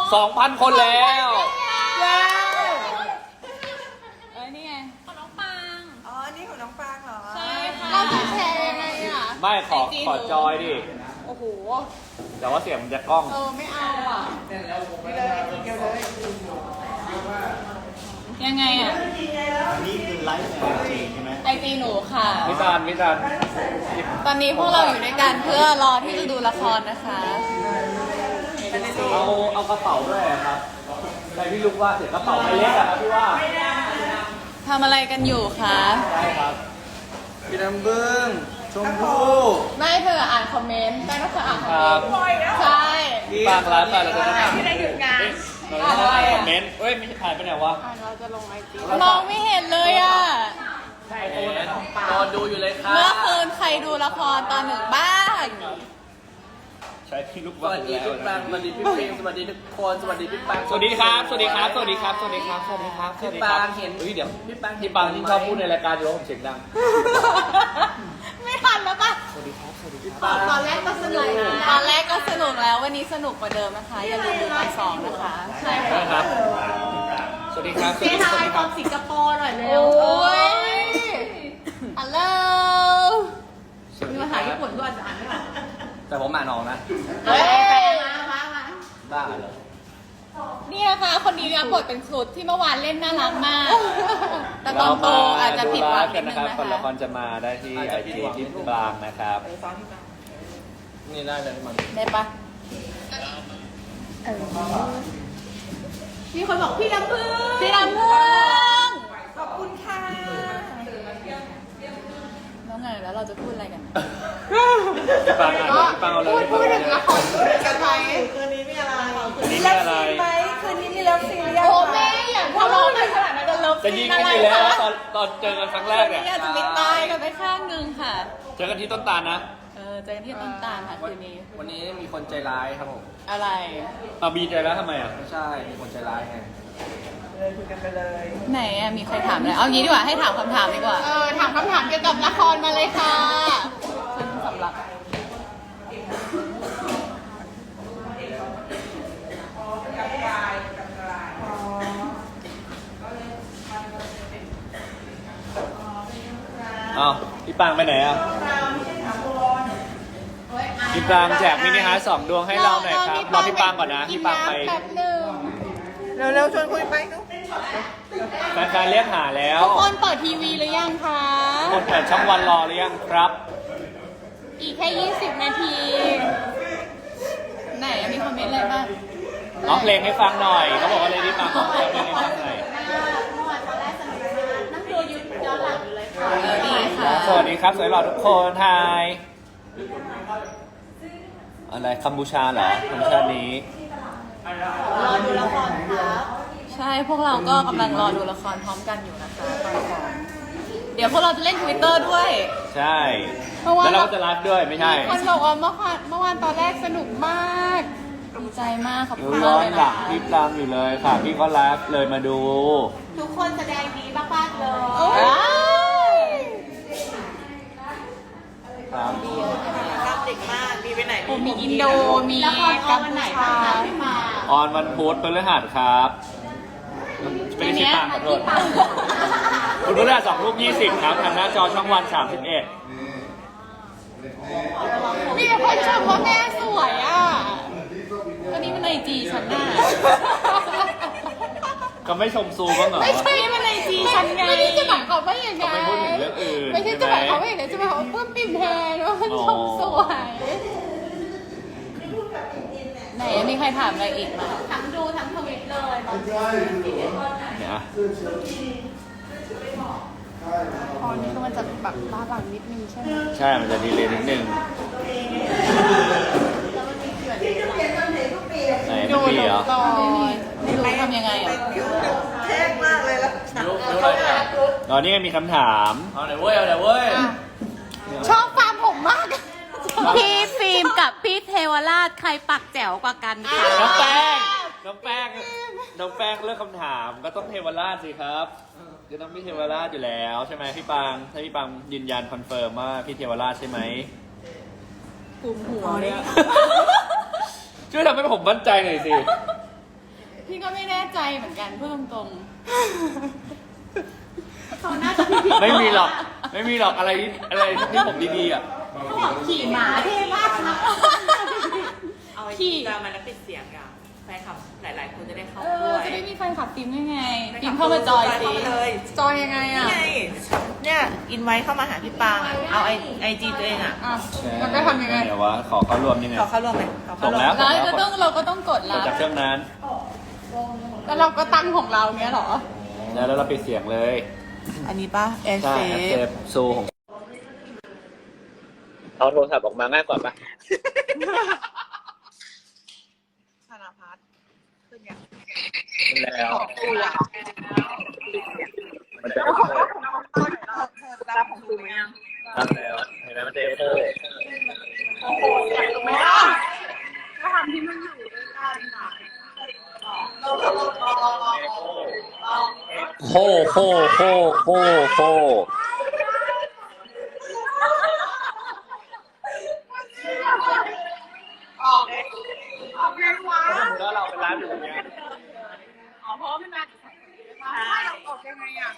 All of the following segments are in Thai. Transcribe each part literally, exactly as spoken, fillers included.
สองพันคนแล้วเอ้ยนี่ไงของน้องปังอ๋ออันนี้ของน้องปางเหรอใช่ค่ะเราจะแชร์ยังไงอ่ะไม่ขอขอจอยดิโอ้โหแต่ว่าเสียงมันจะกล้องเออไม่เอาอ่ะนี่เลยเดียวเลยยังไงอ่ะนี่คือไลฟ์ในไอจีใช่ไหมไอจีหนูค่ะมิจานมิจานตอนนี้พวกเราอยู่ด้วยกันเพื่อรอที่จะดูละครนะคะเอาเอากระเป๋าด้วยอะครับใครพี่ลูกว่าเสียกระเป๋าใบเล็กอะครับพี่ว่าทำอะไรกันอยู่คะใช่ครับพี่น้ำบึ้งชมพู่ไม่เธออ่านคอมเมนต์ได้ก็เธออ่านคอมคเมรันบต์ใช่พี่ปางร้านไปเราจะต้องที่ได้หยุดงานเราจะต้องอ่านคอมเมนต์เอ้ยไม่ใช่ผ่านไปไหนวะมองไม่เห็นเลยอ่ะใช่ตอนดูอยู่เลยค่ะเมื่อคืนใครดูละครตอนหนึ่งบ้างใช้พี่ลูกสวัสดีพี่ปังสวัสดีพี่ฟิล์มสวัสดีทุกคนสวัสดีพี่ปังสวัสดีครับ สวัสดีครับ สวัสดีครับ สวัสดีครับ สวัสดีครับ สวัสดีครับพี่ปางเห็นเฮ้ยเดี๋ยวพี่ปังพี่ปังที่ชอบพูดในรายการอยู่แล้วผมเสียงดังไม่ทันแล้วปะสวัสดีครับ สวัสดีครับตอนแรกก็สนุกตอนแรกก็สนุกแล้ววันนี้สนุกกว่าเดิมนะคะ อย่าลืมดูตอนสองนะคะ ใช่ได้ครับ สวัสดีครับ สวัสดีครับ สวัสดีครับสิงคโปร์หน่อยเร็วโอ้ยฮัลโหลมีภาษาญี่ปุ่นด้วยแต่ผมอ่านออกนะเฮ้ยมามามาบ้าเหรอนี่นะคะคนนี้เนี่ยบทเป็นครุฑที่เมื่อวานเล่นน่ารักมาก แต่ตอนโตอาจจะผิดหวังนิดนึงนะนะคนละคคะรจะมาได้ที่ไอจีที่บางนะครับนี่ได้เลยมันได้ปะมีคนบอกพี่ลำพึงพี่ลำพึงขอบคุณค่ะแล้วไงแล้วเราจะพูดอะไรกันพี่ปังอ่านเลยพี่ปังเอาเลยพี่ปังเอาเลยกันไหมคืนนี้มีอะไรคืนนี้มีมีเลิฟอะไรซีนไหมคืนนี้มีเลิฟซีนหรือยังโอ้แม่อย่าทะเลาะกันขนาดนั้นจะเลิฟจะซียิงนกัอะนไรอยู่แล้วคะตอนตอนเจอกันครั้งแรกเนี่ยนี่อาจจะไม่ตายกันไปข้างหนึ่งค่ะเจอกันที่ต้นตาลนะเออเจอกันที่ต้นตาลค่ะคืนนี้วันนี้มีคนใจร้ายครับผมอะไรเอาบีใจแล้วทำไมอ่ะไม่ใช่มีคนใจร้ายไงเลยคุยกันไปเลยไหนอะมีใครถามอะไรเอางี้ดีกว่าให้ถามคำถามดีกว่า เออถามคำถามเกี่ยวกับละครมาเลยค่ะฉันสำหรับอ้าวพี่ปังไปไหนอ่ะพี่ปังแจกมินิฮาร์ทสองดวงให้เราหน่อยครับรอพี่ปังก่อนนะพี่ปังไปแป๊บหนึ่งเร็วๆชวนคุยไปนุ๊กแฟนๆเรียกหาแล้วทุกคนเปิดทีวีหรือยังคะคนเปิดช่องวันรอหรือยังครับอีกแค่ยี่สิบนาที ไหนอะมีคอมเมนต์อะไรบ้างร้องเพลงให้ฟังหน่อยเขาบอกว่าเลยพี่ปังร้องเพลงให้ฟังหน่อยนั่งดูยูทูบย้อนหลังอยู่เลยค่ะเออดีค่ะสวัสดีครับสวยหล่อทุกคนไทยอะไรกัมพูชาเหรอกัมพูชานี้รอดูละครครับใช่พวกเราก็กำลังรอดูละครพร้อมกันอยู่นะคะตอนสองเดี๋ยวพวกเราจะเล่น Twitter ด้วยใช่เพราะว่าแล้วเราก็จะไลฟ์ด้วยไม่ใช่คนบอกว่าเมื่อวานเมื่อวานตอนแรกสนุกมากดีใจมากขอบดูคุณย้มาอก นเลยหลันะงพี่ปังอยู่เลยค่ะพี่ก็ไลฟ์เลยมาดูทุกคนแสดงดีมากๆเลยครับรับเด็กมาก มีไปไหนโอ้มีอินโดมีกัมพูชาออนวันพุธพฤหัสครับเป็นชิปังขอโทษคุณพฤหัสสองทุ่มยี่สิบครับทางหน้าจอช่องวันสามสิบเอ็ดมีคนชมว่าแม่สวยอ่ะก็นี่มันในจีฉันน่ะก็ไม่ชมซูบ้างเหรอไม่ใช่มันในจีฉันไงไม่ใช่จะหมายความว่าอย่างไงเขาไม่พูดถึงเรื่องอื่นไม่ใช่จะหมายความว่าอย่างไงจะหมายความว่าเพิ่มปิ่มแพนว่ามันชมสวยไหนมีใครถามอะไรอีกไหมทั้งดูทั้งทวิตเลยตอนนี้เนี่ยตอนนี้ก็มันจะแบบบ้าบังนิดนึงใช่ไหมใช่ มันจะดีเลยนิดนึงไหนไม่มีเหรอก่อนไม่รู้ทำยังไงอ่ะคิ้วเท่มากเลยแล้วรู้รู้อะไรเนี่ยตอนนี้มีคำถามเอาเดี๋ยวเว้ยเอาเดี๋ยวเว้ยชอบฟาร์มผมมาก พี่ฟิล์มกับพี่เทวราชใครปักแจ๋วกว่ากันคะน้องแป้ง น้องแป้ง น้องแป้งเลือกคำถามก็ต้องเทวราชสิครับจะต้องพี่เทวราชอยู่แล้วใช่ไหมพี่ปัง ถ้าพี่ปังยืนยันคอนเฟิร์มว่าพี่เทวราชใช่ไหมกลุ่มหัวเนี่ยช่วยทำให้ผมมั่นใจหน่อยสิพี่ก็ไม่แน่ใจเหมือนกันพูดตรงๆเขาน่าจะผิดไม่มีหรอก ไม่มีหรอกอะไรที่อะไรที่ผมดีๆอ่ะเขาบอกขี่หมาเท่มากนะเอาไอ้ขี่จะมาแล้วปิดเสียงอ่ะแฟนคลับหลาย ๆ คนจะได้เข้าเอด้อวยจะได้มีแฟนคลับฟิล์มได้ไงฟิล์มเข้ามาจอยสิเข้ามาเลยจอยยังไงนี่อ่ะไงเนี่ยอินไว้เข้ามาหาพี่ปางอ่ะเอาไอไอจีตัวเองอ่ะอ่ะมันก็ทำยังไงเดี๋ยววะขอเข้าร่วมยังไงขอเข้าร่วมไหมขอเข้าร่วมส่งแล้วแล้วจะต้องเราก็ต้องกดกรัดบจากเครื่องนั้นแล้วเราก็ตั้งของเราเนี้ยเหรอแล้วแล้วเราปิดเสียงเลยอันนี้ป่ะแอร์ใช่เซแอปฟเซฟซูของเอาโทรศัพท์ออกมาง่ายกว่าปะธนาพัฒน์ขึ้นยังแล้วตัวมันจะเธอรับของตูไหมยังตั้งแล้วเห็นไหมมันจะเอฟโฟก็ทำที่มันอยู่ด้วยกันอ่ะโคโคโคโคโคออกออกไงวะแล้วเราเป็นร้านอยู่อย่างเงี้ยอ๋อเพราะมันมาเราออกยังไงอ่ะ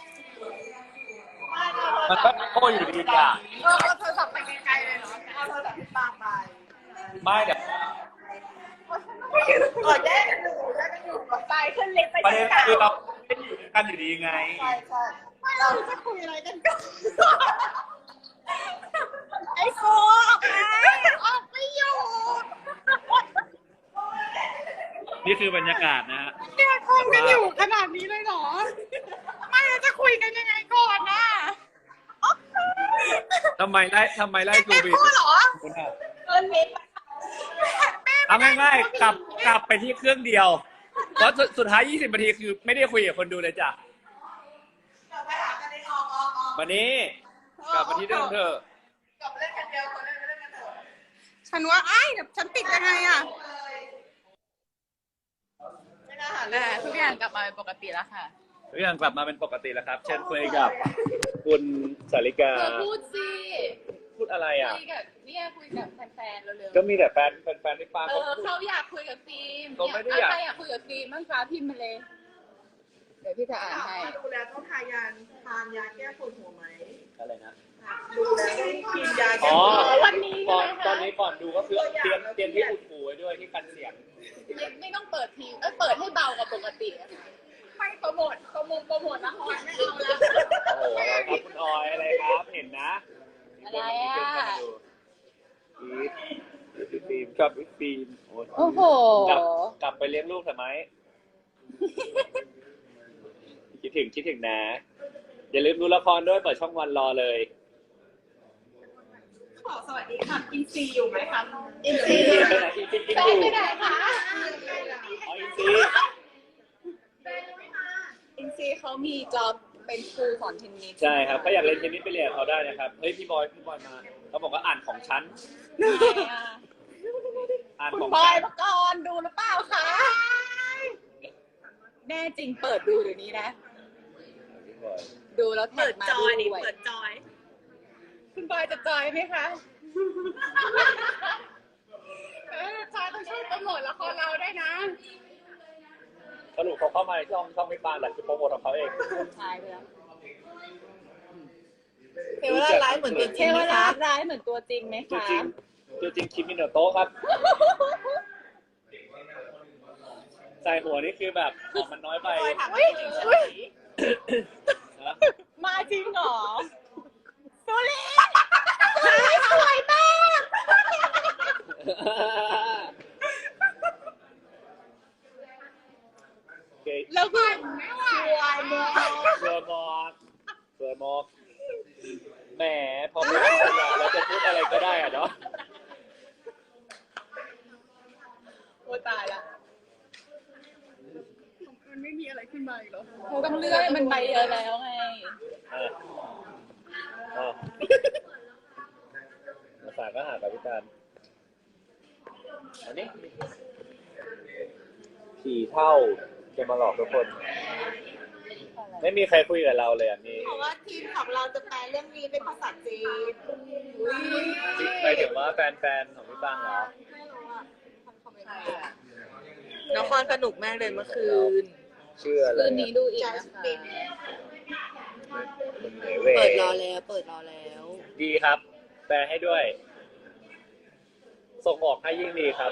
มันก็โคอยู่ดีอ่ะเออเอาโทรศัพท์ไปไกลๆเลยเหรอเอาโทรศัพท์พี่ปางไปไม่เดี๋ยวกดได้อยู่ได้อยู่กดไปขึ้นลิฟต์ไปประเด็นคือเราไม่อยู่ด้วยกันอยู่ดีไงใช่ใช่เราจะคุยอะไรกันก่อนไอโฟออกมาออกไม่อยู่นี่คือบรรยากาศนะฮะเนี่ยคุยกันอยู่ขนาดนี้เลยเหรอ ไม่แล้วจะคุยกันยังไงก่อนน่ะทำไมไล่ทำไมไล่กูบีพูดเหรอคุณอ่ะขึ้นลิฟต์เอาง่ายๆกลับกลับไปที่เครื่องเดียวเพราะสุดสุดท้ายยี่สิบนาทีคือไม่ได้คุยกับคนดูเลยจ้ะกลับไปหากันในออกออกออกวันนี้กลับมาที่เดิมเถอะกลับไปเล่นกันเดียวคนเล่นไปเล่นกันเถอะฉันว่าไอ้เดี๋ยวฉันติดยังไงอ่ะไม่น่าหาเลแต่ยทุกอย่างกลับมาเป็นปกติแล้วค่ะทุกอย่างกลับมาเป็นปกติแล้วครับ เชิญคุยกับคุณสาริกาเธอพูดสิพูดอะไรอ่ะคุยกับเนี่ยคุยกับแฟนๆเร็วก็มีแต่แฟนแฟนๆที่ป้าๆเอเขาอพูดเขาอยากคุยกับฟิล์มเขาไม่ได้เนี่ยอยากใครอยากคุยกับฟิล์มบ้างคะพิมพ์มาเลย เดี๋ยวพี่จะอ่านให้ดูแลต้องทายาทานยาแก้ปวดหัวไหมอะไรนะดูแลต้องกินยาแก้อ๋อปวดหัววันนี้ก่อนใช่ไหมคะตอนนี้ก่อนดูก็คือเตรียมเตรียมที่อุดหูไว้ด้วยที่กันเสียงไม่ไม่ต้องเปิดทีเอ้ยเปิดให้เบากว่าปกติอะค่ะไม่โปรโมทโปรโมทโปรโมทละครไม่เอาแล้วโอ้โหอะไรครับคุณออยอะไรครับ เห็นนะอะไรอ่ะอีฟฟิล์มชอบอีฟฟิล์มโอ้โหกลับกลับไปเลี้ยงลูกทำไม คิดถึงคิดถึงนะ อย่าลืมดูละครด้วยเปิดช่องวันรอเลยขอสวัสดีค่ะอินซีอยู่ไหมคะอินซีไปไหนอินซีกินแฟอน ยู่ไปไหนคะอ๋ออินซีอินซีเขามีจ็อบเป็นครูสอนเทนนิสใช่ครับถ้าอยากเล่นเทนนิสไปเรียนกับเขาได้นะครับ เฮ้ยพี่บอยพี่บอยมาเขาบอกว่าอ่านของฉันไหนอ่ะอ่านคุขณองบอฉัยนปกรณ์ดูหรือเปล่าคะ แน่จริงเปิดดูเดี๋ยวนี้นะพี่บอยดูแล้วแท็เปิกดมาจอยด้นี่วยเปิดจอยคุณบอยจะจอยไหมคะเออจอยต้องช่วยโปรโมทละครเราได้นะสรุปเขาเข้ามาในช่องช่องไม่ปานแหละคือโปรโมทของเขาเองใช่ไปแล้วเทวราชไลฟ์เหมือนตัวจเทริงวไหมราคะชร้ายเหมือนตัวจริงไหมตัวคะจริงตัวจริงคิมมินโนโตะครับ ใส่หัวนี่คือแบบออกมันน้อยไปบอยถามอุ้ยจริงอุ้ยนะมาจริงเหรอสุริสวยมากโอเคแล้วก็สวยมากเสือมอกเสือมอกแหมพอไม่พูดอะเราจะพูดอะไรก็ได้อะเนาะโอ้ตายละมันไม่มีอะไรขึ้นมาอีกเหรอเขาต้องเลื่อนมันใบเยอะแล้วไงอ่ะอ่ะภาษาก็หากับพิการอันนี้ผีเท่าจะมาหลอกทุกคน ไม่มีใครคุยกับเราเลยอ่ะมีเพราะว่าทีมของเราจะแปลเรื่องนี้เป็นภาษาจีนหมายถึงว่าแฟนๆของพี่ปังเหรอไม่รู้อ่ะทำคอมเมนต์หนูนครสนุกมากเลยเมื่อคืนชื่ออะไรคืนนี้ดูอีกนะคะเปิดรอแล้ว เปิดรอแล้วดีครับ แปลให้ด้วย ส่งออกให้ยิ่งดีครับ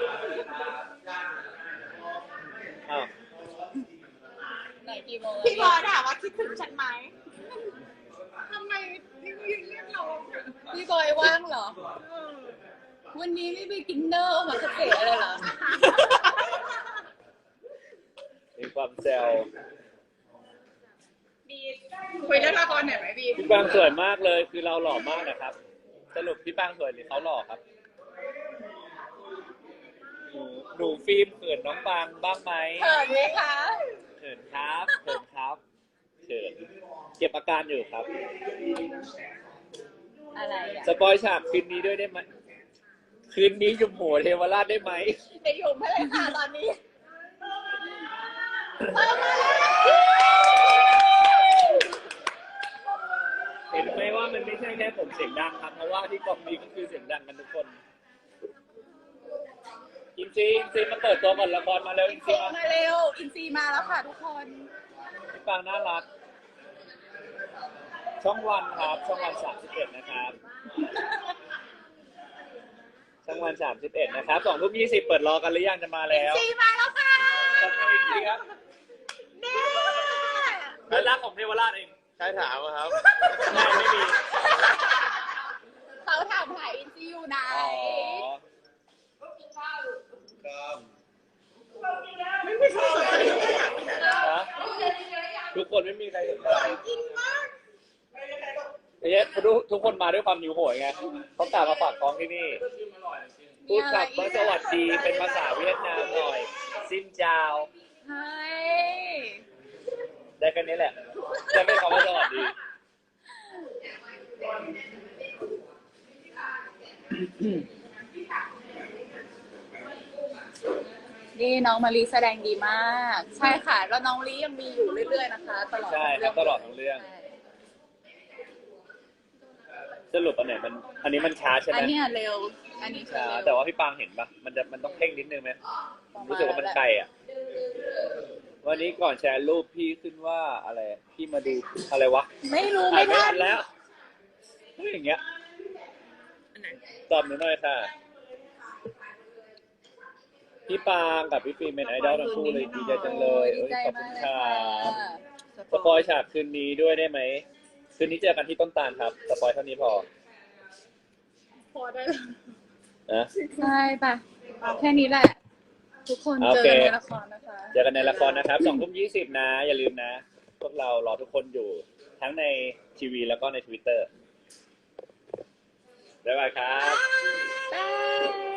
อ้าวไหนกี่โมงพี่บอลถามว่าคิดถึงฉันไหมทำไมนี่เรียกเราพี่บอยว่างเหรอ วันนี้ไม่ไปกินเนอร์มาเกษตรเลยเหรอมีความแซวคุยเรื่องละครหน่อยไหมบีพี่ปางสวยมากเลย คือเราหล่อมากนะครับ สรุปพี่ปางสวยหรือเขาหล่อครับหนูหนูฟิล์มเขินน้องปางบ้างไหมเขินไหมคะเขินครับเขินครับเขินเก็บอาการอยู่ครับอะไรอ่ะสปอยฉากคืนนี้ด้วยได้ไหมคืนนี้ยุมหัวเทวราชได้ไหมไปอยู่ไม่เลยค่ะตอนนี้เห็นไหมว่ามันไม่ใช่แค่ผมเสียงดังครับ เพราะว่าที่กองนี้ก็คือเสียงดังกันทุกคนอินซีอินซีมาเปิดตัวก่อนละครมาเร็วอินซีอินซีมามาเร็ว อินซีมาแล้วค่ะทุกคนพี่ปางน่ารัก ช่องวันครับ ช่องวันสามสิบเอ็ดนะครับ ช่องวันสามสิบเอ็ดนะครับสองทุ่มยี่สิบเปิดรอกันหรือยังจะมาแล้วอินซีมาแล้วค่ะขอบคุณอินซีครับเน่น่ารักของเทวราชเองใช่ถามอะครับไม่ไม่มีเขาถามหาอินซีอยู่ไหนอ๋อ ฮะทุกคนไม่มีใครสนใจไอ้เนี้ยทุกทุกคนมาด้วยความหิวโหยไงเขากลับมาฝากท้องที่นี่ พูดกับว่าสวัสดีเป็นภาษาเวียดนามหน่อย ซินจาวใช่ได้แค่นี้แหละ จะเป็นคำว่าสวัสดีนี่น้องมารีแสดงดีมาก ใช่ค่ะ แล้วน้องลียังมีอยู่เรื่อยๆนะคะ ตลอดใช่ครับตลอดทั้งเรื่องใช่สรุปอันไหนมัน อันนี้มันช้าใช่ไหมอันเนี้ยเร็ว อันนี้คือช้าเร็วแต่ว่าพี่ปางเห็นปะมันจะมันต้องเพ่งนิดนึงไหมรู้สึกว่ามันไกลอ่ะ วันนี้ก่อนแชร์รูปพี่ขึ้นว่าอะไร พี่มาดูอะไรวะไม่รู้ถ่าไม่ยไม่ทัทันนแล้วอย่างเงี้ยตอบหนูหน่อยค่ะ พี่ปางกับพี่ฟิล์มเป็นไอดอลทั้งคู่เลยดีใจจังเลยดีเอ้ยใจขอบมาคุกณเลยค่ะค่ะสปอยฉากคืนนี้ด้วยได้ไหม คืนนี้เจอกันที่ต้นตาลครับ สปอยเท่านี้พอพอได้นะใช่ป่ะ แค่นี้แหละ ทุกคนโอเจอเคกันในละครนะคะเจอกันในละครนะครับสองทุ่มยี่สิบนะ อย่าลืมนะ พวกเรารอทุกคนอยู่ทั้งในทีวีแล้วก็ใน ทวิตเตอร์ บ๊ายบายครับบาย